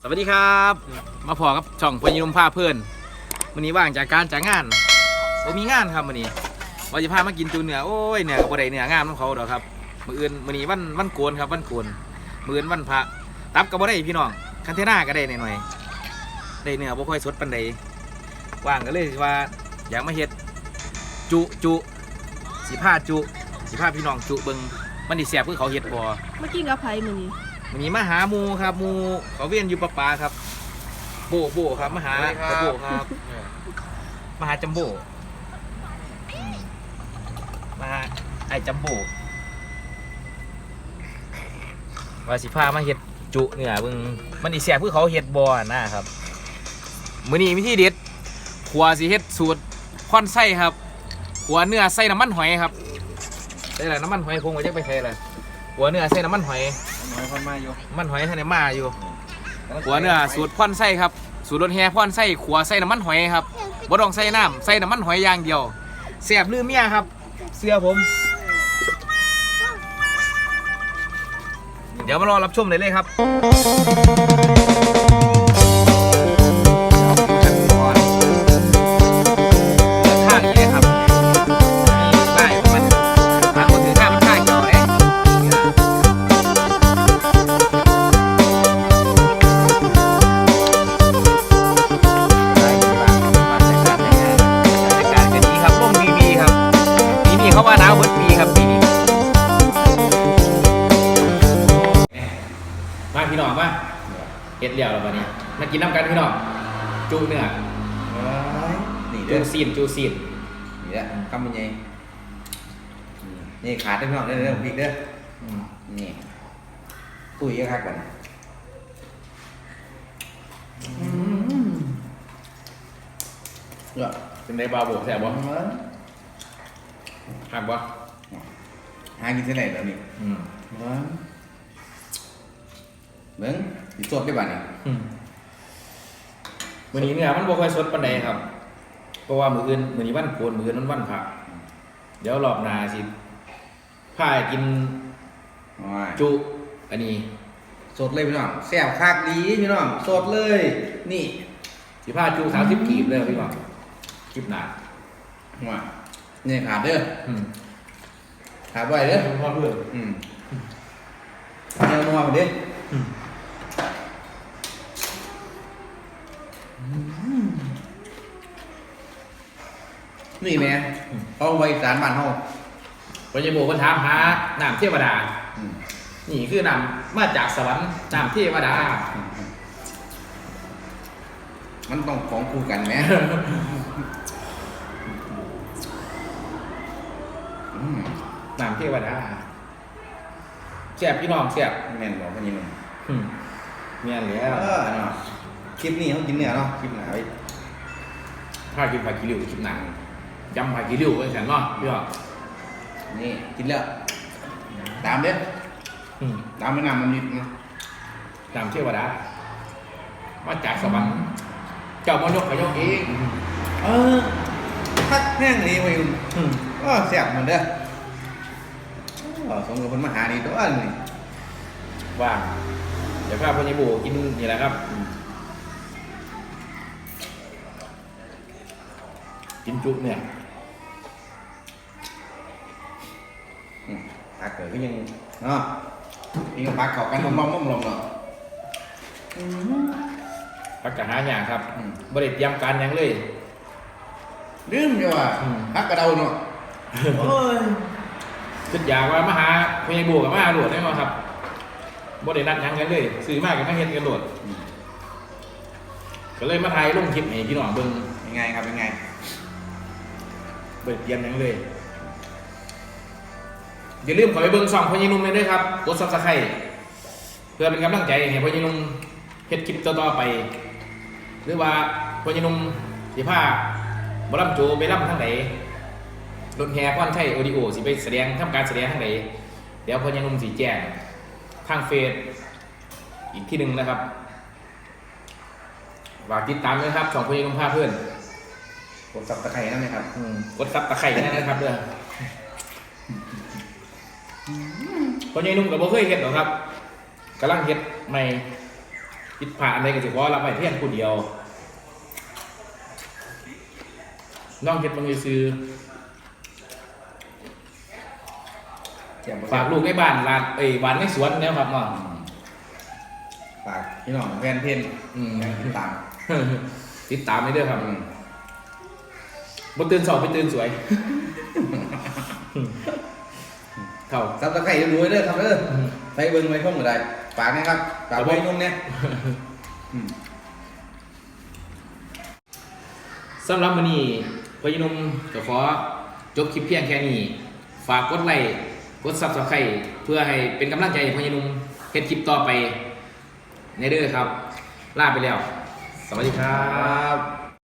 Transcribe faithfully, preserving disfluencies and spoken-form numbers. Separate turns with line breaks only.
สวัสดีครับมาพอกับช่องพญานุมพาเพื่อนวันนี้ว่างจากการจากงานผมมีงานครับวันนี้ว่าจะพามากินจูเนื้อโอ้ยเนื้อกับบ่ได้เนื้องามของเขาดอกครับมื้ออื่นมื้อนี้วันวันโกนครับวันโกนมื้ออื่นวันพระตับก็บ่ได้พี่น้องคันเทน่าก็ได้หน่อยๆได้เนื้อบ่ค่อยสดปานใดว่างก็เลยว่าอยากมาเฮ็ดจุจุสิพาจุสิพาพี่น้องจุเบิ่งมันสิแซ่บคือเขาเฮ็ดบ่
เมื่อกี้กับไผ่มื้อนี้
วันนี้มาหาหมูครับหมูเขาเวียนอยู่ปะปาครับโบโบครับมาหาตะโบครับมาหาจัมโบอืมมาหาไอ้จัมโบว่าสิพามาเฮ็ดจุเนี่ยเบิ่งมันอีแซ่บคือเขาเฮ็ดบ่นะครับมื้อนี้มีที่เด็ดขัวสิเฮ็ดสูตรค่อนไส้ครับขัวเนื้อใส่น้ำมันหอยครับใส่อะไรน้ำมันหอยคงว่าจะไปใส่อะไรขัวเนื้อใส่น้ำมันหอยมันมาอยู่มันหอยท่านไหนมาอยู่ขัวเนื้อสูตรพ่อนไส้ครับสูตรรสแห่พ่อนไส้ขัวใส่น้ำมันหอยครับบ่ต้องใส่น้ำใส่น้ำมันหอยอย่างเดียวแซ่บลืมเมียครับเสื้อผมเดี๋ยวมารอรับชมเลยเลยครับข้างนี้เลยครับได้มันทางคนถือข้างมันข้างเกี่ยวเอ๊ะเขาว่าหนาวเบิดปีครับปีนี้มาพี่น้องมาเฮ็ดเดี่ยวแล้ววันนี้มากินน้ำกันพี่น้องจูเนื้อ
นี่
จู
เด้อ
ซีนจูซีน
นี่แหละคำมันใหญ่นี่ขาดได้พี่น้องเด้อเด้อพริกเด้อนี่ตุ้ยก็คักกันเยอะ
เป็นในบาโบแซ่บบ่หักบ่
หากินเท่าไหร่แล้วนี่
อืม
เบิ้งสิสดได้บ้านี่
มื้อนี้เนี่ยมันบ่ค่อยสดปานใดครับเพราะว่ามื้ออื่นมื้อนี้วันโกนมื้ออื่นมันวันพระเดี๋ยวรอบหน้าสิพากินจุอันนี้
สดเลยพี่น้องแซ่บคักดีพี่น้องสดเลยนี่
สิพาจุสามสิบกีบเลยพี่น้องกีบหนา
ว่านี่ขาดเด้อ
อืม
ขาดไว้เด้อ
พ่อเพื่อน
อืมเนื้อนัวมาดินี่แม่เขาไว้สารบ้านเฮา
พญาโบก็ถามหาน้ำเทวดา
อืม
นี่คือน้ำมาจากสวรรค์น้ำเทวดา
มันต้องของคู่กันไหม อืม
น้ำเทวดาแซ่บพี่น้องแซ่บ
แม่นบอกว่าอย่างนี้
อืมเมียนแล้ว
เออเนาะคลิปนี้เขากินเนื้อเนาะคลิปหนาไว้
ถ้ากินผักกิริ้วกินหนังยำผักกิริ้วเป็นแสนเนาะพี่น้อง
นี่กินแล้วตามเด้อ
อืม
ตามไม่นำมันนิดนะ
น้ำเทวดามาจากสวรรค์เจ้ามายกขยกเอง
เออทักแห้งนี่ไปอยู่
อืม
ก็แซ่บเหมือนเด้อเออสมกับคนมาหาดีตัวนี่
ว่างเดี๋ยวพาพญาโบกินนี่แหละครับอืมกินจุเนี่ย
อืมปลาเกิดก็ยังเนาะนี่ก็ปลาเข้ากันมอมๆมอมๆเนาะ
พักกะหาอย่างครับ
อืม
บริเตรียมการหยังเลย
ลืมอยู่ว่า
อืม
ฮักกระเดาเนาะโอ้ย
คิดอยากว่ามาหาพญาโบกับมาหาโหลดได้ไหมครับบรินัดหยังกันเลยซื้อมากกับมาเฮ็ดกันโหลดก็เลยมาถ่ายลงคลิปให้พี่น้องเบิ่ง
ยังไงครับยังไง
บริเตรียมหยังเลยอย่าลืมเข้าไปเบิ่งช่องพญานุ่มเลยด้วยครับกด ซับสไครบ์ เพื่อเป็นกำลังใจให้พญานุ่มเฮ็ดคลิปต่อๆไป หรือว่าพญานุ่มสิพาบ่ล่ำโจไปล่ำทางไหนรถแห่พรชัยออดิโอสิไปแสดงทำการแสดงทางไหนเดี๋ยวพญานุ่มสิแจ้งทางเฟซอีกที่หนึ่งนะครับฝากติดตามด้วยครับช่องพญานุ่มพาเพื่อน
กดซับตะไคร้นั่นไหมครับ
อืมกดซับตะไคร้นั่นนะครับเด้อพญานุ่มกับบ่เคยเฮ็ดหรอกครับกำลังเฮ็ดใหม่ผิดพลาดอะไรก็สิขอรับไปเพียงผู้เดียวน้องเฮ็ดบังซื้อ
เจ็บ
ฝากลูกในบ้านร้านเอ้ยบ้านในสวนเนี่ยครับเนาะ
ฝากพี่น้องแฟนเพน
อืม
ติดตาม
ติดตามให้ด้วยครับ
อืม
บ่ตื่นเช้าไปตื่นสวยเข้า
ซับตะไคร้ดูไว้เด้อครับเด้อใส่เบิ้งไว้ช่องก็ได้ฝากนะครับฝากไว้นุ่มเนี่ยอืม
สำหรับวันนี้พยนมก็ขอจบคลิปเพียงแค่นี้ ฝากกดไลค์กด ซับสไครบ์ เพื่อให้เป็นกำลังใจให้พยนมเฮ็ดคลิปต่อไปในเด้อครับ ลาไปแล้ว สวัสดีครับ